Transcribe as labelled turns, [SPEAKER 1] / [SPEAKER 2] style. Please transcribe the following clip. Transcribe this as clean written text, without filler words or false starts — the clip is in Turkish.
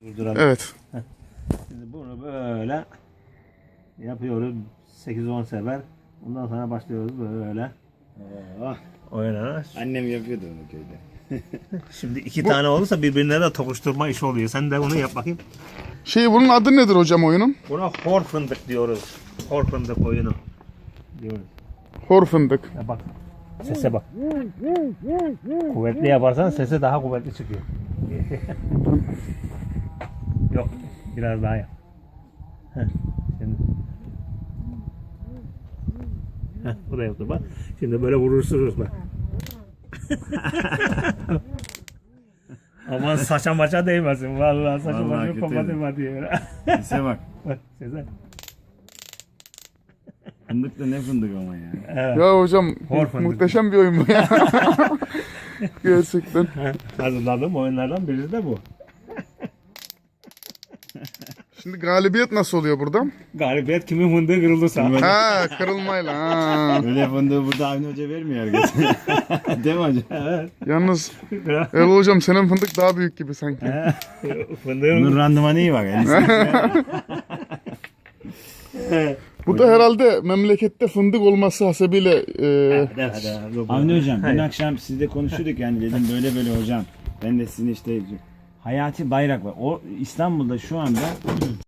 [SPEAKER 1] Durduralım.
[SPEAKER 2] Evet.
[SPEAKER 1] Şimdi bunu böyle yapıyoruz 8-10 sefer. Ondan sonra başlıyoruz böyle.
[SPEAKER 3] Oh,
[SPEAKER 1] Oynana.
[SPEAKER 3] annem yapıyordu onu köyde.
[SPEAKER 1] Şimdi iki tane olursa birbirine de tokuşturma işi oluyor. Sen de onu yap bakayım.
[SPEAKER 2] Bunun adı nedir hocam oyunun?
[SPEAKER 1] Buna hor fındık diyoruz. Hor fındık oyunu diyoruz.
[SPEAKER 2] Hor fındık.
[SPEAKER 1] Ya bak. Sese bak. Kuvvetli yaparsan sesi daha kuvvetli çıkıyor. Yok. Biraz daha yap. Heh, şimdi. Heh, bu da yaptı bak. Şimdi böyle vurursunuz bak. Aman saça maça değmesin. Vallahi saça
[SPEAKER 3] Vallahi
[SPEAKER 1] maça
[SPEAKER 3] kötü.
[SPEAKER 1] kapatma diyor.
[SPEAKER 3] Sese bak.
[SPEAKER 1] Bak sese.
[SPEAKER 3] Fındık da ne fındık ama ya.
[SPEAKER 1] Evet.
[SPEAKER 2] Ya hocam
[SPEAKER 1] Hor fındık.
[SPEAKER 2] muhteşem bir oyun bu ya. Gerçekten.
[SPEAKER 1] Hazırladığım oyunlardan birisi de bu.
[SPEAKER 2] Şimdi galibiyet nasıl oluyor burada?
[SPEAKER 1] Galibiyet kimin fındığı kırıldıysa.
[SPEAKER 2] Ha, kırılmayla. Ha.
[SPEAKER 3] Böyle fındığı burada Avni Hoca vermiyor herkese. Değil mi hocam?
[SPEAKER 1] Evet.
[SPEAKER 2] Yalnız Erol hocam senin fındık daha büyük gibi sanki.
[SPEAKER 3] Bunun
[SPEAKER 1] Fındığın
[SPEAKER 3] randımanı iyi bak.
[SPEAKER 2] Bu da herhalde memlekette fındık olması hasebiyle
[SPEAKER 3] Avni Hocam dün
[SPEAKER 1] Hayır.
[SPEAKER 3] akşam sizle konuşuyorduk yani dedim böyle böyle hocam. Ben de sizin işte Hayati Bayrak var. O İstanbul'da şu anda